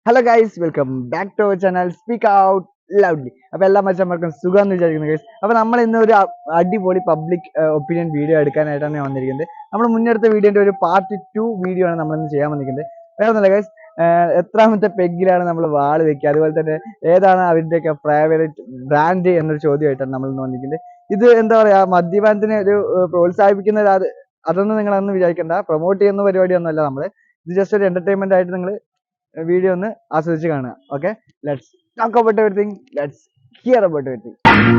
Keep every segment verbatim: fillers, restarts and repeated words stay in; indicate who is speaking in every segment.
Speaker 1: Hello guys, welcome back to our channel speak out loudly. അപ്പോൾ എല്ലാ മച്ചന്മാർക്കും സുഖം എന്ന് വിചാരിക്കുന്നു ഗൈസ്. അപ്പോൾ നമ്മൾ ഇന്ന് ഒരു അടിപൊളി പബ്ലിക് ഒപ്പീനിയൻ വീഡിയോ എടുക്കാനായിട്ടാണ് ഞാൻ വന്നിരിക്കുന്നത്. നമ്മൾ മുന്നെടുത്ത വീഡിയോന്റെ ഒരു പാർട്ട് ടു വീഡിയോ ആണ് നമ്മൾ ഇന്ന് ചെയ്യാൻ വന്നിരിക്കുന്നത്. വേറെ ഒന്നുമില്ല ഗൈസ്, എത്രാമത്തെ പെഗ്ഗിലാണ് നമ്മൾ വാള് വെക്കുക, അതുപോലെ തന്നെ ഏതാണ് അവരുടെയൊക്കെ ഫേവറേറ്റ് ബ്രാൻഡ് എന്നൊരു ചോദ്യമായിട്ടാണ് നമ്മൾ ഇന്ന് വന്നിരിക്കുന്നത്. ഇത് എന്താ പറയാ, മദ്യപാനത്തിനെ ഒരു പ്രോത്സാഹിപ്പിക്കുന്ന അത് അതൊന്നും നിങ്ങളൊന്നും വിചാരിക്കേണ്ട, പ്രൊമോട്ട് ചെയ്യുന്ന പരിപാടിയൊന്നുമല്ല. നമ്മൾ ഇത് ജസ്റ്റ് ഒരു എന്റർടൈൻമെന്റ് ആയിട്ട് നിങ്ങൾ വീഡിയോ ഒന്ന് ആസ്വദിച്ച് കാണുക. Okay, let's talk about everything, let's hear about everything.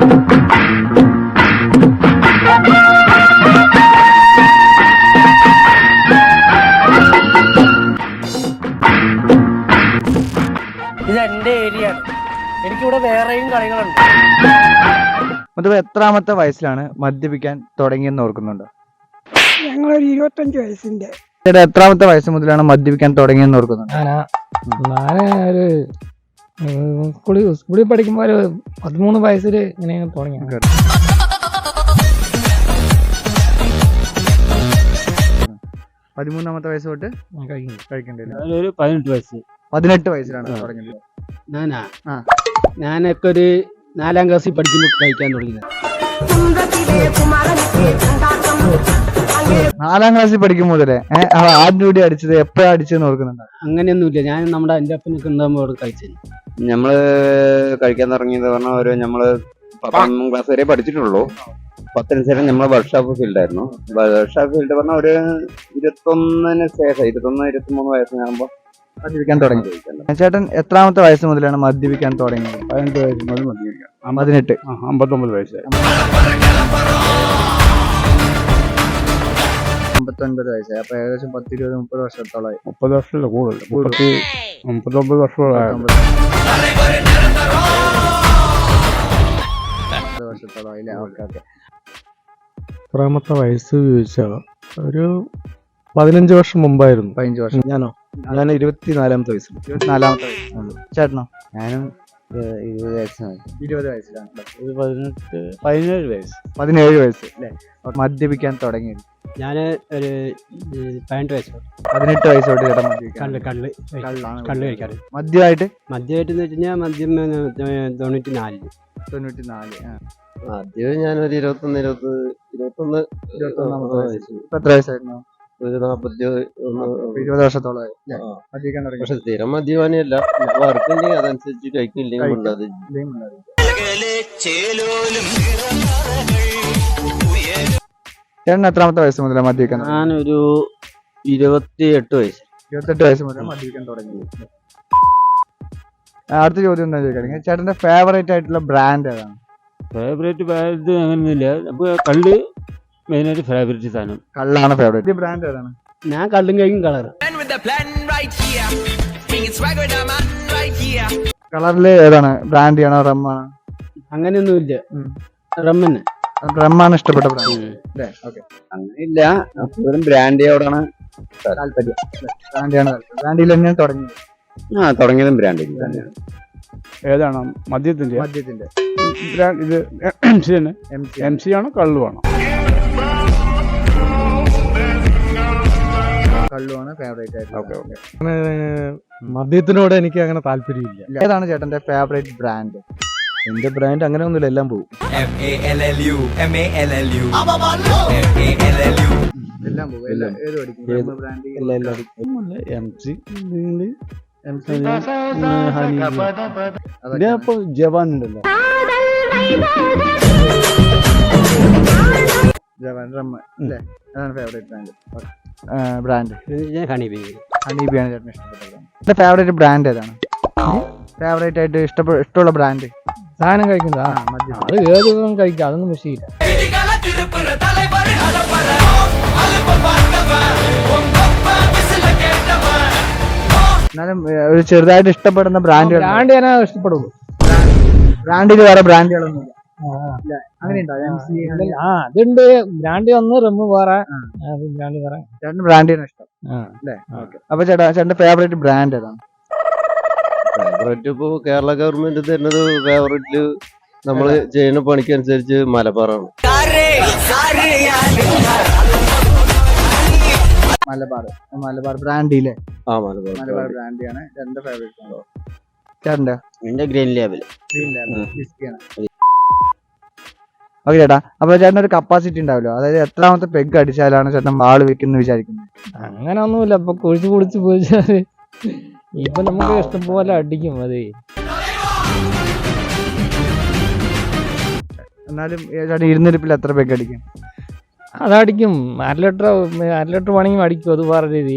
Speaker 2: ഇത് എന്റെ ഏരിയ ആണ്, എനിക്കിവിടെ വേറെയും കളികളുണ്ട്.
Speaker 1: അത് എത്രാമത്തെ വയസ്സിലാണ് മദ്യപിക്കാൻ തുടങ്ങിയെന്ന് ഓർക്കുന്നുണ്ടോ?
Speaker 3: ഞങ്ങളൊരു ഇരുപത്തഞ്ച് വയസ്സിന്റെ.
Speaker 1: ചേട്ടാ, എത്രാമത്തെ വയസ്സ് മുതലാണ് മദ്യപിക്കാൻ തുടങ്ങിയെന്ന് ഓർക്കുന്നുണ്ടോ?
Speaker 3: ഞാന് ഒരു സ്കൂളിൽ സ്കൂളിൽ പഠിക്കുമ്പോ ഒരു പതിമൂന്ന് വയസ്സിൽ ഇങ്ങനെ തുടങ്ങി.
Speaker 1: പതിമൂന്നാമത്തെ വയസ്സ് തൊട്ട് കഴിക്കണ്ടേ?
Speaker 4: ഒരു പതിനെട്ട് വയസ്സ്
Speaker 1: പതിനെട്ട് വയസ്സിലാണ് തുടങ്ങിയത്.
Speaker 4: ഞാനാ ഞാനൊക്കെ ഒരു നാലാം ക്ലാസ്സിൽ പഠിക്കുമ്പോൾ കഴിക്കാൻ തുടങ്ങിയത്.
Speaker 1: നാലാം ക്ലാസ്സിൽ പഠിക്കും മുതലേ ആദ്യം കൂടി അടിച്ചത് എപ്പോഴാ അടിച്ചെന്ന് ഓർക്കുന്നുണ്ടോ?
Speaker 4: അങ്ങനെയൊന്നുമില്ല, ഞാൻ നമ്മുടെ എൻ്റെ അപ്പനൊക്കെ ഉണ്ടാകുമ്പോൾ കഴിച്ചത്.
Speaker 5: നമ്മള് കഴിക്കാൻ തുടങ്ങിയത് പറഞ്ഞാൽ ഒരു നമ്മള് പത്താം ക്ലാസ് വരെ പഠിച്ചിട്ടുള്ളൂ. പത്തിന് ശേഷം നമ്മള് വർക്ക്ഷോപ്പ് ഫീൽഡ് ആയിരുന്നു. വർക്ക്ഷോപ്പ് ഫീൽഡ് പറഞ്ഞാൽ ഒരു ഇരുപത്തൊന്നിന് ശേഷം ഇരുപത്തൊന്ന് ഇരുപത്തിമൂന്ന് വയസ്സിനാകുമ്പോ
Speaker 1: മദ്യപിക്കാൻ തുടങ്ങി. ചേട്ടൻ എത്രാമത്തെ വയസ്സ് മുതലാണ് മദ്യപിക്കാൻ തുടങ്ങിയത്?
Speaker 4: പതിനെട്ട് വയസ്സ് മുതൽ മദ്യപിക്കാം.
Speaker 1: പതിനെട്ട്
Speaker 4: അമ്പത്തൊമ്പത് വയസ്സ്
Speaker 1: അമ്പത്തൊൻപത് വയസ്സായി. അപ്പൊ ഏകദേശം പത്ത് ഇരുപത് മുപ്പത് വർഷത്തോളമായി.
Speaker 4: മുപ്പത് വർഷമല്ല കൂടുതൽ, മുപ്പത്തി മുപ്പത്തൊമ്പത് വർഷത്തോളമായി
Speaker 1: വർഷത്തോളമായി അല്ലേ? Okay okay.
Speaker 6: എത്രാമത്തെ വയസ്സ് ചോദിച്ചാൽ ഒരു പതിനഞ്ച് വർഷം മുമ്പായിരുന്നു.
Speaker 1: പതിനഞ്ച് വർഷം.
Speaker 6: ഞാനോ ഞാൻ ഇരുപത്തിനാലാമത്തെ വയസ്സിൽ.
Speaker 1: ഇരുപത്തിനാലാമത്തെ വയസ്സ്. ചേട്ടനോ?
Speaker 5: ഞാനും ഇരുപത് വയസ്സാണ്.
Speaker 1: ഇരുപത് വയസ്സിലാണ്.
Speaker 4: ഒരു പതിനെട്ട് പതിനേഴ് വയസ്സ്
Speaker 1: പതിനേഴ് വയസ്സ് അല്ലേ മദ്യപിക്കാൻ തുടങ്ങിയത്?
Speaker 4: ഞാൻ ഒരു പതിനെട്ട് വയസ്സ്.
Speaker 1: പതിനെട്ട് വയസ്സോട്ട് ചേട്ടൻ മദ്യപിക്കാൻ.
Speaker 4: കള്ള് കള്ള് കള്ള് കഴിക്കാറ്.
Speaker 1: മദ്യമായിട്ട്
Speaker 4: മദ്യമായിട്ട് എന്ന് വെച്ച് കഴിഞ്ഞാൽ മദ്യം തൊണ്ണൂറ്റി നാലില്
Speaker 1: തൊണ്ണൂറ്റി നാല്.
Speaker 5: ആദ്യം ഞാനൊരു ഇരുപത്തൊന്ന് ഇരുപത്തി ഇരുപത്തൊന്ന്
Speaker 1: ഇരുപത്തൊന്നാമത്തെ വയസ്സ്. ഇപ്പൊ എത്ര വയസ്സായിരുന്നു?
Speaker 5: ഒരു നാപ്പത്തി ഒന്ന്
Speaker 1: ഇരുപത് വർഷത്തോളമായി മദ്യപിക്കാൻ തുടങ്ങി.
Speaker 5: പക്ഷെ സ്ഥിരം മദ്യപാനിയല്ല, വർക്കുണ്ടെങ്കിൽ അതനുസരിച്ച് കഴിക്കില്ലെങ്കിൽ ഉണ്ടാകും.
Speaker 1: ചേട്ടൻ എത്രാമത്തെ വയസ്സ് മുതലാണ് മദ്യപിക്കാൻ?
Speaker 4: ഞാനൊരു ഇരുപത്തി എട്ട് വയസ്സ്.
Speaker 1: ഇരുപത്തെട്ട് വയസ്സ് മുതൽ മദ്യപിക്കാൻ തുടങ്ങി. അടുത്ത ചോദ്യം എന്താ ചോദിക്കുകയാണെങ്കിൽ, ചേട്ടന്റെ ഫേവറേറ്റ് ആയിട്ടുള്ള ബ്രാൻഡ് ഏതാണ്?
Speaker 4: ഫേവറേറ്റ് ബ്രാൻഡ് അങ്ങനെയൊന്നുമില്ല, അപ്പൊ കള്ള് മെയിനായിട്ട് ഫേവറേറ്റ് സാധനം.
Speaker 1: കള്ളാണ് ഫേവറേറ്റ് ബ്രാൻഡ് ഏതാണ്?
Speaker 4: ഞാൻ കള്ളും കഴിക്കും കളർ.
Speaker 1: കളറില് ഏതാണ്? ബ്രാൻഡി ആണോ റമ്മാണോ?
Speaker 4: അങ്ങനെയൊന്നുമില്ല, റമ്മന്നെ.
Speaker 1: റമ്മാണ് ഇഷ്ടപ്പെട്ട ബ്രാൻഡ് അല്ലേ? ഓക്കെ.
Speaker 5: അങ്ങനെയില്ല, കൂടുതലും ബ്രാൻഡിയോടാണ്
Speaker 1: താല്പര്യം. ബ്രാൻഡിയാണ് താല്പര്യം. ബ്രാൻഡിയിൽ തന്നെയാണ് തുടങ്ങിയത്.
Speaker 5: ആ തുടങ്ങിയതും ബ്രാൻഡിൽ തന്നെയാണ്.
Speaker 4: ഏതാണ്? മദ്യത്തിന്റെ
Speaker 1: മദ്യത്തിന്റെ
Speaker 4: ഇത് എം സി തന്നെ. എം സി ആണോ കള്ളുവാണോ?
Speaker 1: കള്ളുവാണ് ഫേവറേറ്റ് ആയിട്ട്.
Speaker 6: Okay okay. മദ്യത്തിനോട് എനിക്ക് അങ്ങനെ താല്പര്യമില്ല.
Speaker 1: ഏതാണ് ചേട്ടന്റെ ഫേവറേറ്റ് ബ്രാൻഡ്?
Speaker 6: എന്റെ ബ്രാൻഡ് അങ്ങനെ ഒന്നുമില്ല, എല്ലാം പോകും.
Speaker 1: എല്ലാം പോകും. ഏത് പഠിക്കും brand?
Speaker 6: M C
Speaker 1: M C
Speaker 6: ഇപ്പൊ ജവാൻ ഉണ്ടല്ലോ.
Speaker 1: ജവാൻ റമ്മ അല്ലേ? അതാണ് ഫേവറേറ്റ് ബ്രാൻഡ്. Brand
Speaker 4: honeybee.
Speaker 1: ഹണീബിയാണ് ചേട്ടന് ഇഷ്ടപ്പെട്ടത്. എന്റെ ഫേവറേറ്റ് ബ്രാൻഡ് ഏതാണ്? ഫേവറേറ്റ് ആയിട്ട് ഇഷ്ടപ്പെട്ട ഇഷ്ടമുള്ള ബ്രാൻഡ്
Speaker 6: സാധനം കഴിക്കുന്നതാ. അത് ഏത് കഴിക്കാം, അതൊന്നും വിഷയമില്ല.
Speaker 1: എന്നാലും ഒരു ചെറുതായിട്ട് ഇഷ്ടപ്പെടുന്ന ബ്രാൻഡ്
Speaker 6: ബ്രാൻഡ് ഞാൻ ഇഷ്ടപ്പെടുള്ളൂ.
Speaker 1: ബ്രാൻഡിൽ വേറെ ബ്രാൻഡുകളൊന്നും അങ്ങനെ
Speaker 6: ആ അതുണ്ട്. ബ്രാൻഡ് ഒന്ന് റമ്മ് വേറെ, ബ്രാൻഡ് വേറെ.
Speaker 1: ചേട്ടന് ബ്രാൻഡിനാണ് ഇഷ്ടം അല്ലേ? ഓക്കെ. അപ്പൊ ചേട്ടാ, ചേട്ടന്റെ ഫേവറേറ്റ് ബ്രാൻഡ് ഏതാണ്?
Speaker 5: ഫേവറേറ്റ് ഇപ്പോ കേരള ഗവൺമെന്റ് തരുന്നത് ഫേവറേറ്റ് നമ്മള് ചെയ്യുന്ന പണിക്കനുസരിച്ച് മലബാറാണ്.
Speaker 1: മലബാർ മലബാർ ബ്രാൻഡി അല്ലേ?
Speaker 5: ആ മലബാർ
Speaker 1: മലബാർ ബ്രാൻഡി ആണ് എന്റെ ഫേവറേറ്റ് ആണോ ചേട്ടൻ്റെ?
Speaker 5: എന്റെ ഗ്രീൻ ലേബൽ.
Speaker 1: ഗ്രീൻ ലേബൽ വിസ്കിയാണ്. ഓക്കെ ചേട്ടാ, അപ്പൊ ചേട്ടൻ ഒരു കപ്പാസിറ്റി ഉണ്ടാവല്ലോ, അതായത് എത്രാമത്തെ പെഗ് അടിച്ചാലാണ് ചേട്ടൻ വാള് വെക്കുന്ന വിചാരിക്കുന്നത്?
Speaker 6: അങ്ങനെ ഒന്നുമില്ല. ഇപ്പൊ കുഴിച്ച് കുടിച്ച് പോയിച്ചാല് ഇപ്പൊ നമുക്ക് ഇഷ്ടം പോലെ അടിക്കും. അതെ,
Speaker 1: എന്നാലും ചേട്ടൻ ഇരുന്നിരിപ്പിൽ എത്ര പെഗ് അടിക്കും?
Speaker 6: അതടിക്കും. അര ലിറ്റർ അര ലിറ്റർ വേണമെങ്കിൽ അടിക്കും. അത് വേറെ രീതി.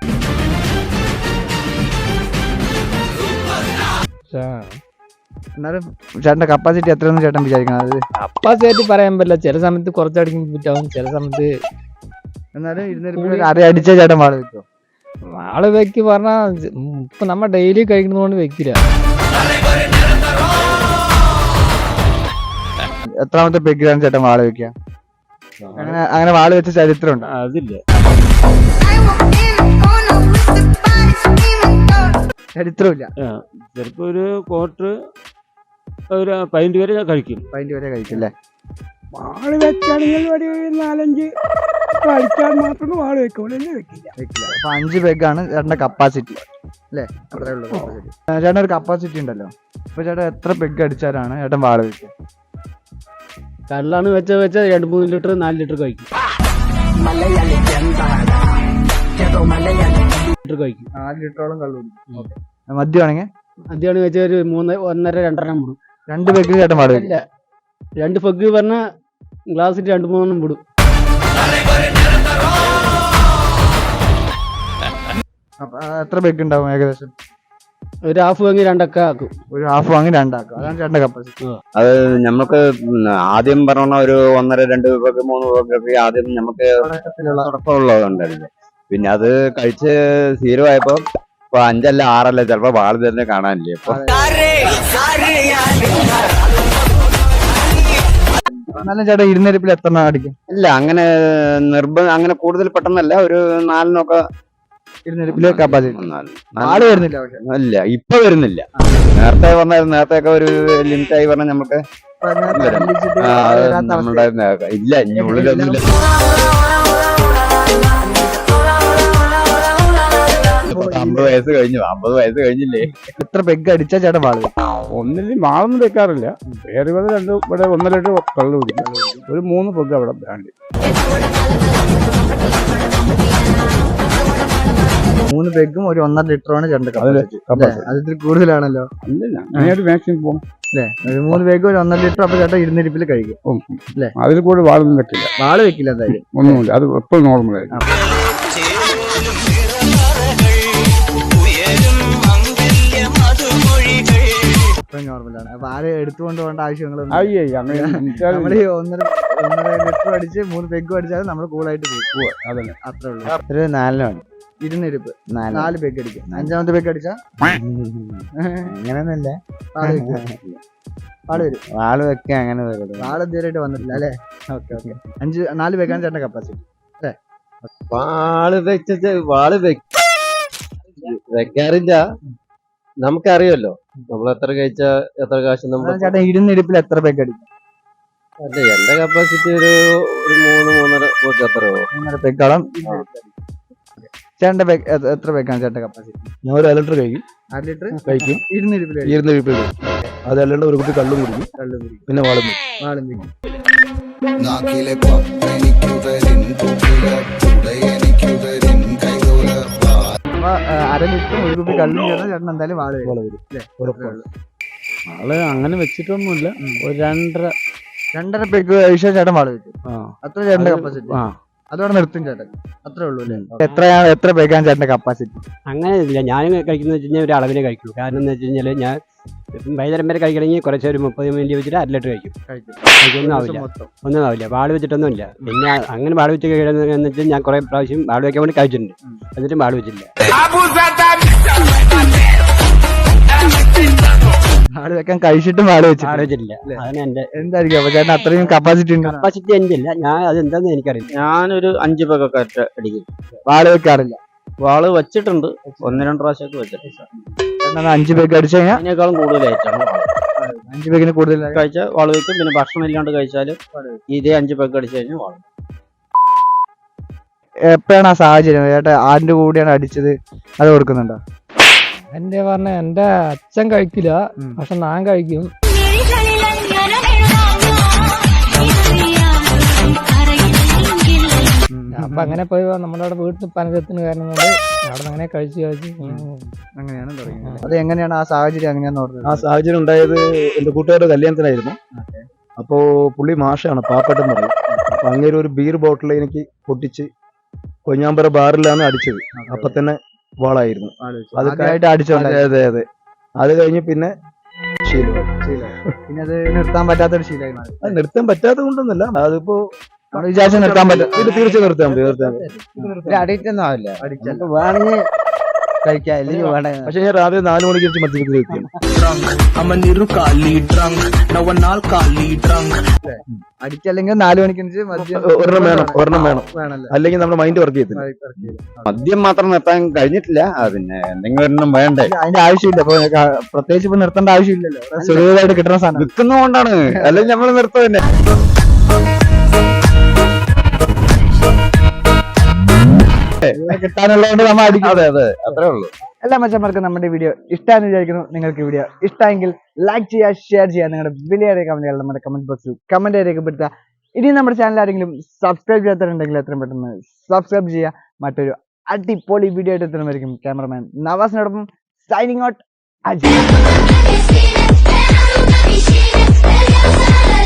Speaker 1: എന്നാലും ചേട്ടന്റെ കപ്പാസിറ്റി എത്രയെന്ന് ചേട്ടൻ വിചാരിക്കണം? അത്
Speaker 6: കപ്പാസിറ്റി പറയാൻ പറ്റില്ല. ചില സമയത്ത് കുറച്ചടിക്കും പറ്റാവും, ചില സമയത്ത്.
Speaker 1: എന്നാലും ഇരുന്നിരിപ്പിൽ അര അടിച്ച ചേട്ടൻ വാള് വെക്കോ?
Speaker 6: വാള് വെക്ക് പറഞ്ഞാ ഇപ്പൊ നമ്മ ഡെയിലി കഴിക്കുന്നതുകൊണ്ട് വെക്കില്ല.
Speaker 1: എത്രാമത്തെ പെഗ്ഗിലാണ് ചേട്ടൻ വാള് വെക്കുക? അങ്ങനെ അങ്ങനെ വാള് വെച്ച ചരിത്രം ഉണ്ട്?
Speaker 4: അതില്ല.
Speaker 1: ചരിത്രമില്ല.
Speaker 4: ചിലപ്പോ ഒരു ക്വാർട്ടർ ഒരു പതിനഞ്ച് വരെ കഴിക്കും.
Speaker 1: പതിനഞ്ച് വരെ കഴിക്കും അല്ലേ?
Speaker 7: വാള് വെച്ചാണെങ്കിൽ ഒരു നാലഞ്ച് കളിക്കാൻ മാത്രമേ വാള് വെക്കുള്ളൂ, വെക്കില്ല.
Speaker 1: വെക്കില്ല. അപ്പൊ അഞ്ച് പെഗ്ഗാണ് ചേട്ടന്റെ കപ്പാസിറ്റി അല്ലേ? അത്രേ ഉള്ളൂ കപ്പാസിറ്റി. ചേട്ടൻ ഒരു കപ്പാസിറ്റി ഉണ്ടല്ലോ, അപ്പൊ ചേട്ടൻ എത്ര പെഗ് അടിച്ചാലാണ് ചേട്ടൻ വാള് വെക്കുക?
Speaker 2: കള്ളാണ് വെച്ച വെച്ച രണ്ട് മൂന്ന് ലിറ്റർ നാല് ലിറ്റർ കഴിക്കും. ലിറ്റർ കഴിക്കും.
Speaker 1: നാല് ലിറ്ററോളം കള്ളു കുടിക്കും. മദ്യമാണെങ്കിൽ
Speaker 2: മദ്യമാണ് വെച്ച ഒരു മൂന്ന് ഒന്നര രണ്ടെണ്ണം വിടും.
Speaker 1: രണ്ട് പെഗ് ചേട്ടൻ വാള് വെക്കില്ല?
Speaker 2: രണ്ട് പെഗ് പറഞ്ഞാൽ ഗ്ലാസ്സിൽ രണ്ട് മൂന്നെണ്ണം വിടും.
Speaker 1: അപ്പൊ എത്ര പെഗ് ഉണ്ടാവും ഏകദേശം?
Speaker 2: ഒരു ഹാഫ് വാങ്ങി രണ്ടൊക്കെ ആക്കും.
Speaker 1: ഒരു ഹാഫ് വാങ്ങി രണ്ടാക്കും. അതാണ് ചേട്ടന്റെ കപ്പാസിറ്റി.
Speaker 5: അത് നമുക്ക് ആദ്യം പറഞ്ഞ ഒരു ഒന്നര രണ്ട് പേർക്ക് മൂന്ന് പേർക്ക് ആദ്യം നമുക്ക് തുടക്കമുള്ളതുണ്ടായിരുന്നു. പിന്നെ അത് കഴിച്ച് സ്ഥിരമായപ്പോ ഇപ്പൊ അഞ്ചല്ല ആറല്ല ചിലപ്പോ വാള് തന്നെ കാണാനില്ലേ. ഇപ്പൊ
Speaker 1: എന്നാലും ചേട്ടൻ ഇരുന്നിരിപ്പിൽ എത്ര എണ്ണം അടിക്കും?
Speaker 5: ഇല്ല, അങ്ങനെ നിർബന്ധം അങ്ങനെ കൂടുതൽ പെട്ടെന്നല്ല, ഒരു നാലിനൊക്കെ
Speaker 1: ഇരുന്നിരിപ്പില് കപ്പാസിറ്റി.
Speaker 5: നാല്
Speaker 1: വാള് വരുന്നില്ല പക്ഷെ.
Speaker 5: ഇല്ല, ഇപ്പൊ വരുന്നില്ല. നേരത്തെ വന്നായിരുന്നു. നേരത്തെ ഒക്കെ ഒരു ലിമിറ്റായി പറഞ്ഞാൽ നമുക്ക് ആ, അത് നമ്മളുടെ ഇല്ല, ഇനി ഉള്ളിലൊന്നുമില്ല. അമ്പത് വയസ്സ് കഴിഞ്ഞു, അമ്പത് വയസ്സ് കഴിഞ്ഞില്ലേ.
Speaker 1: എത്ര പെഗ് അടിച്ചാ ചേട്ടൻ വാള് വെക്കും?
Speaker 7: ഒന്നിനും വാളൊന്നും വെക്കാറില്ല. വേറെ വേറെ രണ്ട് ഇവിടെ ഒന്നര ലിറ്റർ കള്ളു കുടിക്കും, ഒരു മൂന്ന് പൊഗ് അവിടെ ബ്രാൻഡ്.
Speaker 1: മൂന്ന് പെഗും ഒരു ഒന്നര ലിറ്ററാണ് ചേട്ടന്റെ കപ്പാസിറ്റി. അത് ഇത്തിരി കൂടുതലാണല്ലോ
Speaker 7: അല്ല, മാക്സിമം പോകും
Speaker 1: അല്ലേ? ഒരു മൂന്ന് പെഗ് ഒരു ഒന്നര ലിറ്റർ. അപ്പൊ ചേട്ടൻ ഇരുന്നിരിപ്പിൽ കഴിക്കും അല്ലേ?
Speaker 7: അതിൽ കൂടെ വാളൊന്നും വെക്കില്ല.
Speaker 1: വാള് വെക്കില്ല എന്തായാലും.
Speaker 7: ഒന്നുമില്ല, അത് എപ്പോഴും നോർമലായിരിക്കും.
Speaker 1: നോർമലാണ്. അപ്പൊ ആരെ എടുത്തുകൊണ്ട് പോകേണ്ട ആവശ്യങ്ങളൊന്നും
Speaker 7: അയ്യേ അങ്ങനെ
Speaker 1: നമ്മൾ ഈ ഒന്നര ഒന്നര ലിറ്റർ അടിച്ച് മൂന്ന് പെഗ് അടിച്ചാൽ നമ്മൾ കൂളായിട്ട് പോകും.
Speaker 7: അതന്നെ,
Speaker 1: അത്രേ ഉള്ളൂ.
Speaker 5: ഒരു നാലിനാണ്
Speaker 1: ഇരുന്നിരിപ്പ് നാല് പെഗ് അടിക്കും. അഞ്ചാമത്തെ പെഗ് അടിച്ചാ
Speaker 5: അങ്ങനെയൊന്നുമില്ല,
Speaker 1: വാള് വരും.
Speaker 5: വാള് വെക്ക അങ്ങനെ വരും.
Speaker 1: വാള് ഇതുവരെയായിട്ട് വന്നിട്ടില്ല അല്ലേ? Okay okay. അഞ്ച് നാല് പെഗാണ് ചേട്ടന്റെ കപ്പാസിറ്റി അല്ലേ?
Speaker 5: വാള് വെച്ച വാള് വെക്കാറില്ല. നമുക്കറിയല്ലോ നമ്മൾ എത്ര കഴിച്ച എത്ര കാശ് നമ്മൾ.
Speaker 1: ചേട്ടൻ ഇരുന്നിരിപ്പിൽ എത്ര പെഗ് അടിക്കും?
Speaker 5: അല്ല, എന്റെ കപ്പാസിറ്റി ഒരു ഒരു മൂന്ന് മൂന്നര പോക്ക് അത്രയോ.
Speaker 1: മൂന്നര പെഗോളം. ചേട്ടന്റെ പെഗ് എത്ര പെഗാണ് ചേട്ടന്റെ കപ്പാസിറ്റി?
Speaker 7: ഞാൻ ഒരു അര ലിറ്റർ കഴിക്കും.
Speaker 1: അര ലിറ്റർ
Speaker 7: കഴിക്കും.
Speaker 1: ഇരുന്നിരിപ്പിൽ
Speaker 7: ഇരുന്ന് അതല്ലാണ്ട് ഒരു കുട്ടി കള്ളും കുടിക്കും,
Speaker 1: കള്ളു കുടിക്കും,
Speaker 7: പിന്നെ വാളും
Speaker 1: വാളും വെക്കും.
Speaker 8: നാക്കിലെ പപ്പനിക്കുതരിൻ പുകില ഉടയനിക്കുതരിൻ കൈതോല.
Speaker 1: അപ്പൊ അര ലിറ്റർ ഒരു കുപ്പി കള്ളും ചേർന്നാൽ ചേട്ടൻ എന്തായാലും വാള് വരും അല്ലേ?
Speaker 2: ആള് അങ്ങനെ വെച്ചിട്ടൊന്നുമില്ല. ഒരു രണ്ടര
Speaker 1: രണ്ടര പെഗ് കഴിച്ചാൽ ചേട്ടൻ വാള് വെക്കും.
Speaker 2: ആ
Speaker 1: അത്ര ചേട്ടന്റെ കപ്പാസിറ്റി.
Speaker 2: ആ
Speaker 1: അതോടെ നിർത്തും ചേട്ടൻ. അത്രേ ഉള്ളൂ അല്ലേ? എത്രയാണ് എത്ര പെഗാണ് ചേട്ടന്റെ കപ്പാസിറ്റി?
Speaker 9: അങ്ങനെ ഇല്ല. ഞാൻ കഴിക്കുന്ന വെച്ച് കഴിഞ്ഞാൽ ഒരു അളവിനെ കഴിക്കൂ. കാരണം എന്ന് വെച്ച് കഴിഞ്ഞാൽ ഞാൻ വൈകുന്നേരം വരെ കഴിക്കണമെങ്കിൽ കുറച്ച് ഒരു മുപ്പത് മിനിറ്റ് വെച്ചിട്ട് അര ലിറ്റർ കഴിക്കും. കഴിക്കൊന്നും ആവില്ല, ഒന്നും ആവില്ല. വാള് വെച്ചിട്ടൊന്നും ഇല്ല. പിന്നെ അങ്ങനെ വാള് വെച്ച് കഴിയുന്നതെന്ന് വെച്ചാൽ ഞാൻ കുറെ പ്രാവശ്യം വാള് വെക്കാൻ വേണ്ടി കഴിച്ചിട്ടുണ്ട്, എന്നിട്ടും വാള് വെച്ചില്ല.
Speaker 1: വാള് വെക്കാൻ കഴിച്ചിട്ടും വാള് വെച്ചിട്ട്
Speaker 9: വാള് വെച്ചിട്ടില്ല. അതാണ് എന്റെ
Speaker 1: എന്തായിരിക്കും? അപ്പൊ ചേട്ടൻ അത്രയും കപ്പാസിറ്റി ഉണ്ട്?
Speaker 9: കപ്പാസിറ്റി എന്റെ ഇല്ല. ഞാൻ അത് എന്താന്ന് എനിക്കറിയില്ല.
Speaker 5: ഞാനൊരു അഞ്ച് പേക്കൊക്കെ അടിക്കും.
Speaker 1: വാള് വെക്കാറില്ല?
Speaker 5: വാള് വെച്ചിട്ടുണ്ട്, ഒന്ന് രണ്ട് പ്രാവശ്യമൊക്കെ വെച്ചിട്ടുണ്ട്.
Speaker 1: അഞ്ച് പേക്ക് അടിച്ചു കഴിഞ്ഞാൽ
Speaker 5: അതിനേക്കാളും കൂടുതലായിട്ടാണ്
Speaker 1: അഞ്ച് പേക്കിന് കൂടുതൽ
Speaker 5: കഴിച്ചാൽ വാള് വെക്കും. പിന്നെ ഭക്ഷണം ഇല്ലാണ്ട് കഴിച്ചാൽ ഇതേ അഞ്ച് പേക്ക് അടിച്ചു കഴിഞ്ഞാൽ വാള്.
Speaker 1: എപ്പോഴാണ് ആ സാഹചര്യം ചേട്ടാ ആരുടെ കൂടെയാണ് അടിച്ചത് അത് കൊടുക്കുന്നുണ്ടോ?
Speaker 3: എന്റെ പറഞ്ഞ എന്റെ അച്ഛൻ കഴിക്കില്ല,
Speaker 1: ഉം.
Speaker 3: പക്ഷെ ഞാൻ കഴിക്കും. അപ്പൊ അങ്ങനെ പോയി നമ്മുടെ അവിടെ വീട്ടിൽ പനകത്തിന് കാരണം കൊണ്ട് അവിടെ അങ്ങനെ കഴിച്ച് കഴിച്ച്
Speaker 1: അങ്ങനെയാണ് തുടങ്ങിയത്. അത് എങ്ങനെയാണ് ആ സാഹചര്യം എങ്ങനെയാന്ന്
Speaker 7: ആ
Speaker 1: പറഞ്ഞത്?
Speaker 7: സാഹചര്യം ഉണ്ടായത് എന്റെ കൂട്ടുകാരുടെ കല്യാണത്തിനായിരുന്നു. അപ്പോ പുള്ളി മാഷാണ്, പാപ്പട്ടെന്ന് പറയും. അപ്പൊ അങ്ങനെ ഒരു ബീർ ബോട്ടിൽ എനിക്ക് പൊട്ടിച്ച് കൊഞ്ഞാമ്പറ ബാറിലാണ് അടിച്ചത്. അപ്പൊ തന്നെ വാളായിരുന്നു. അത്
Speaker 1: ആദ്യമായിട്ട് അടിച്ചോണ്ട്
Speaker 7: അതെ അതെ അതെ അത് കഴിഞ്ഞ് പിന്നെ ശീലമായി.
Speaker 1: പിന്നെ അത് നിർത്താൻ പറ്റാത്തൊരു ശീലമായി മാറി.
Speaker 7: അത് നിർത്താൻ പറ്റാത്ത കൊണ്ടൊന്നുമല്ല, അതിപ്പോ
Speaker 1: നമ്മൾ വിചാരിച്ച നിർത്താൻ പറ്റും.
Speaker 7: ഇത് തീർച്ചയായും നിർത്താൻ പറ്റും, നിർത്താൻ പറ്റും.
Speaker 5: അഡിക്റ്റ് ഒന്നും ആവില്ല.
Speaker 1: അടിച്ചല്ല.
Speaker 5: വേണമെങ്കിൽ കഴിക്കാം, അല്ലെങ്കിൽ വേണ്ട.
Speaker 7: പക്ഷെ ഞാൻ രാവിലെ നാല് മണിക്ക് വെച്ച് മദ്യപിക്കുന്ന വ്യക്തിയാണ്.
Speaker 1: അടിച്ചല്ലെങ്കിൽ നാലു മണിക്കനുസരിച്ച് മദ്യം
Speaker 7: ഒരെണ്ണം വേണം, ഒരെണ്ണം വേണം,
Speaker 1: വേണല്ലോ.
Speaker 7: അല്ലെങ്കിൽ നമ്മുടെ മൈൻഡ് വർക്ക് ചെയ്യത്തില്ല.
Speaker 5: മദ്യം മാത്രം നിർത്താൻ കഴിഞ്ഞിട്ടില്ല. ആ, പിന്നെ എന്തെങ്കിലും ഒരെണ്ണം വേണ്ടേ?
Speaker 1: അതിന്റെ ആവശ്യമില്ല. ഇപ്പൊ ക- പ്രത്യേകിച്ച് ഇപ്പൊ നിർത്തേണ്ട ആവശ്യമില്ലല്ലോ. സുലഭമായിട്ട് കിട്ടുന്ന സാധനം.
Speaker 5: വിൽക്കുന്നതുകൊണ്ടാണ്, അല്ലെങ്കിൽ നമ്മൾ നിർത്തുക തന്നെ.
Speaker 1: കിട്ടാനുള്ളതുകൊണ്ട് നമ്മൾ അടിക്കും.
Speaker 5: അതെ അതെ അത്രേ ഉള്ളൂ.
Speaker 1: എല്ലാ മച്ചന്മാർക്കും നമ്മുടെ വീഡിയോ ഇഷ്ടമാണെന്ന് വിചാരിക്കുന്നു. നിങ്ങൾക്ക് വീഡിയോ ഇഷ്ടമെങ്കിൽ ലൈക്ക് ചെയ്യുക, ഷെയർ ചെയ്യുക, നിങ്ങളുടെ വിലയേറിയ കമന്റുകൾ നമ്മുടെ കമന്റ് ബോക്സിൽ കമന്റ് രേഖപ്പെടുത്തുക. ഇനി നമ്മുടെ ചാനൽ ആരെങ്കിലും സബ്സ്ക്രൈബ് ചെയ്യാത്തവരുണ്ടെങ്കിൽ എത്രയും പെട്ടെന്ന് സബ്സ്ക്രൈബ് ചെയ്യുക. മറ്റൊരു അടിപൊളി വീഡിയോ ആയിട്ട് എത്തുന്നതായിരിക്കും. ക്യാമറമാൻ നവാസിനോടൊപ്പം സൈനിങ് ഔട്ട് അജയ്.